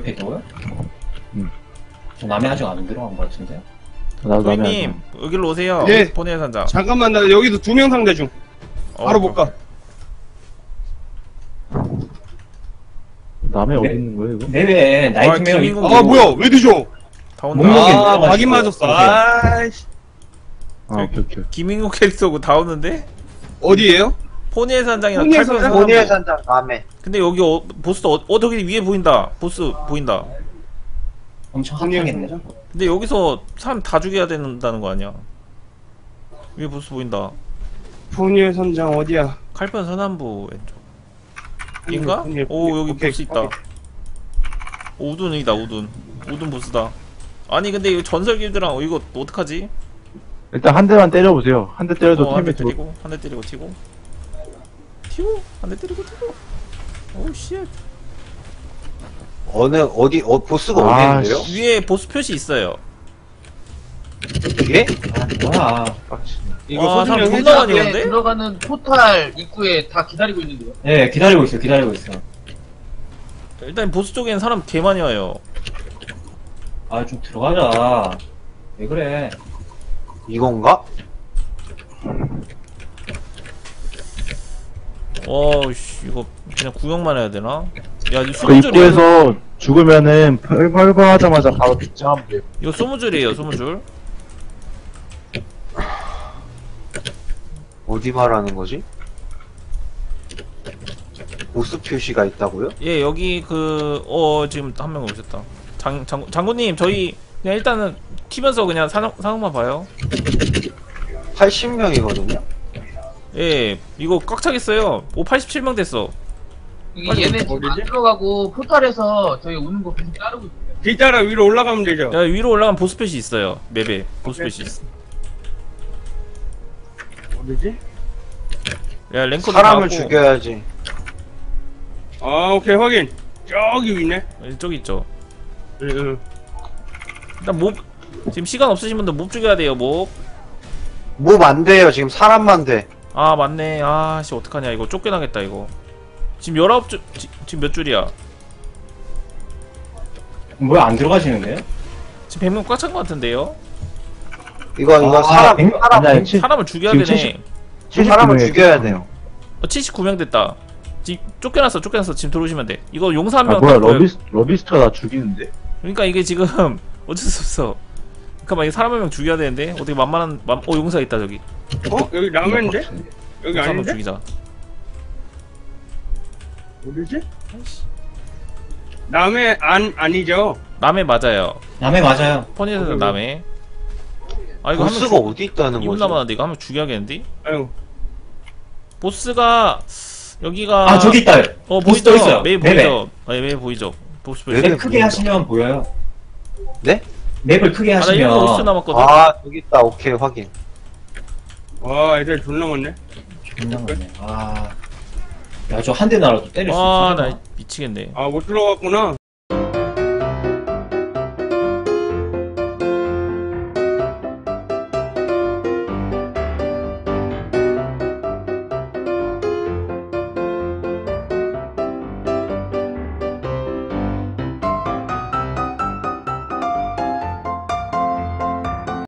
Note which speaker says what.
Speaker 1: 옆에 있다고요?
Speaker 2: 응.
Speaker 1: 저 남해 아직 안 들어간 것 같은데?
Speaker 2: 나도
Speaker 3: 소희님 여기로 오세요.
Speaker 4: 예.
Speaker 3: 본의 산장.
Speaker 4: 잠깐만, 나 여기도 2명 상대 중. 바로 못 가.
Speaker 2: 남해 어디
Speaker 1: 네.
Speaker 2: 있는 거예요 이거?
Speaker 1: 내외에 나이트메어
Speaker 3: 김인국
Speaker 1: 있고.
Speaker 4: 아, 뭐야, 왜 드셔?
Speaker 3: 다 온다.
Speaker 1: 목록이
Speaker 4: 아,
Speaker 1: 올라가지고.
Speaker 4: 각이 맞았어. 아이씨.
Speaker 2: 아 오케이.
Speaker 3: 김인국 캐릭터고 다 오는데?
Speaker 4: 어디에요?
Speaker 3: 포니의 산장이랑
Speaker 4: 포니의
Speaker 3: 칼fen
Speaker 4: 산장?
Speaker 3: 산장.
Speaker 5: 본의 산장 남해.
Speaker 3: 근데 여기 보스 저기 위에 보인다. 보스 보인다.
Speaker 1: 엄청 핫하겠네.
Speaker 3: 근데 여기서 사람 다 죽여야 된다는 거 아니야? 위에 보스 보인다.
Speaker 4: 포니의 선장 어디야?
Speaker 3: 칼fen 서남부 왼쪽. 인가?
Speaker 4: 포니의-
Speaker 3: 오 여기
Speaker 4: 오케이,
Speaker 3: 보스 있다.
Speaker 4: 오케이.
Speaker 3: 오, 우둔이다 우둔. 우둔 보스다. 아니 근데 이거 전설 길드랑 이거 어떡하지?
Speaker 2: 일단 한 대만 때려보세요. 한 대 때려도
Speaker 3: 한 대
Speaker 2: 템이
Speaker 3: 때리고 한 대 때리고 튀고 한 대 때리고 튀고. 오우 쉣.
Speaker 5: 보스가
Speaker 2: 아,
Speaker 5: 어디 있는데요?
Speaker 3: 위에 보스 표시 있어요.
Speaker 5: 이게?
Speaker 1: 아, 뭐야.
Speaker 2: 빡치네.
Speaker 4: 이거
Speaker 3: 와,
Speaker 4: 소진이
Speaker 3: 사람
Speaker 4: 형
Speaker 3: 존나
Speaker 4: 해줘.
Speaker 3: 많이 오는데?
Speaker 6: 들어가는 포탈 입구에 다 기다리고 있는데요.
Speaker 1: 예, 기다리고 있어, 기다리고 있어.
Speaker 3: 일단 보스 쪽에는 사람 개 많이 와요.
Speaker 1: 아, 좀 들어가자. 왜 그래?
Speaker 5: 이건가?
Speaker 3: 씨 이거 그냥 구경만 해야 되나? 야 이거
Speaker 2: 그
Speaker 3: 소무줄이야.
Speaker 2: 입구에서 죽으면은 펄펄하자마자 바로 빗장하면 돼요.
Speaker 3: 이거 소무줄이에요 소무줄.
Speaker 5: 어디 말하는 거지? 보스 표시가 있다고요?
Speaker 3: 예 여기 지금 한 명 오셨다. 장군님 저희 그냥 일단은 튀면서 그냥 상황만 봐요.
Speaker 5: 80명이거든요?
Speaker 3: 예 이거 꽉 차겠어요. 87명 됐어.
Speaker 6: 이게 얘네 지금 안 들어가고 포탈에서 저희 오는 거 계속 따르고 있어요.
Speaker 4: 길 따라 위로 올라가면 되죠.
Speaker 3: 야 위로 올라가면 보스 표시 있어요. 맵에 보스 표시 있어.
Speaker 4: 어디지?
Speaker 3: 야 랭커도
Speaker 5: 사람을
Speaker 3: 나왔고.
Speaker 5: 죽여야지.
Speaker 4: 아, 오케이, 확인. 저기 있네.
Speaker 3: 저기 있죠.
Speaker 4: 응.
Speaker 3: 일단 지금 시간 없으신 분들 몹 죽여야 돼요 몹.
Speaker 5: 몹 안 돼요. 지금 사람만 돼.
Speaker 3: 아 맞네. 아씨 어떡하냐 이거 쫓겨나겠다 이거. 지금 19줄 지금 몇 줄이야?
Speaker 1: 뭐야, 안 들어가시는데요?
Speaker 3: 지금 100명 꽉 찬 것 같은데요?
Speaker 5: 이거
Speaker 1: 아,
Speaker 5: 사람,
Speaker 1: 백-
Speaker 5: 사람,
Speaker 2: 아니야,
Speaker 3: 사람을 죽여야
Speaker 2: 지금
Speaker 3: 되네.
Speaker 5: 사람을
Speaker 2: 79
Speaker 5: 죽여야 돼요.
Speaker 3: 79명 됐다. 지금 쫓겨났어 지금 들어오시면 돼. 이거 용사 한
Speaker 2: 아
Speaker 3: 명.
Speaker 2: 뭐야 러비스트가 나 죽이는데?
Speaker 3: 그러니까 이게 지금 어쩔 수 없어. 잠깐만 이게 사람 한 명 죽여야 되는데 어떻게 용사 있다 저기.
Speaker 4: 어? 여기 라면인데? 여기
Speaker 3: 용사 한 명
Speaker 4: 아닌데?
Speaker 3: 죽이자.
Speaker 4: 어디지? 남해 아니죠?
Speaker 3: 남해 맞아요.
Speaker 1: 남해 맞아요.
Speaker 3: 퍼니에서 남해. 아 이거
Speaker 5: 보스가
Speaker 3: 한명
Speaker 5: 어디 있다는
Speaker 3: 2분
Speaker 5: 거지?
Speaker 3: 남았는데 이거 한 명 죽여야겠는데?
Speaker 4: 아유.
Speaker 3: 보스가 여기가
Speaker 1: 아, 저기 있다. 보스 또
Speaker 3: 보이죠?
Speaker 1: 있어요.
Speaker 3: 맵
Speaker 1: 맵에.
Speaker 3: 보이죠? 네, 맵 보이죠? 보스 보이죠?
Speaker 5: 맵에
Speaker 1: 맵 크게
Speaker 5: 보인다.
Speaker 1: 하시면 보여요.
Speaker 5: 네?
Speaker 1: 맵을 크게
Speaker 3: 아, 나 1분 50초
Speaker 1: 하시면.
Speaker 3: 남았거든.
Speaker 5: 아, 저기 있다. 오케이, 확인.
Speaker 4: 와, 애들 존나 많네.
Speaker 1: 존나 많네. 아. 야, 저 한 대 나라도 때릴 수
Speaker 3: 아,
Speaker 1: 있어.
Speaker 3: 나 미치겠네.
Speaker 4: 아, 못 들어갔구나.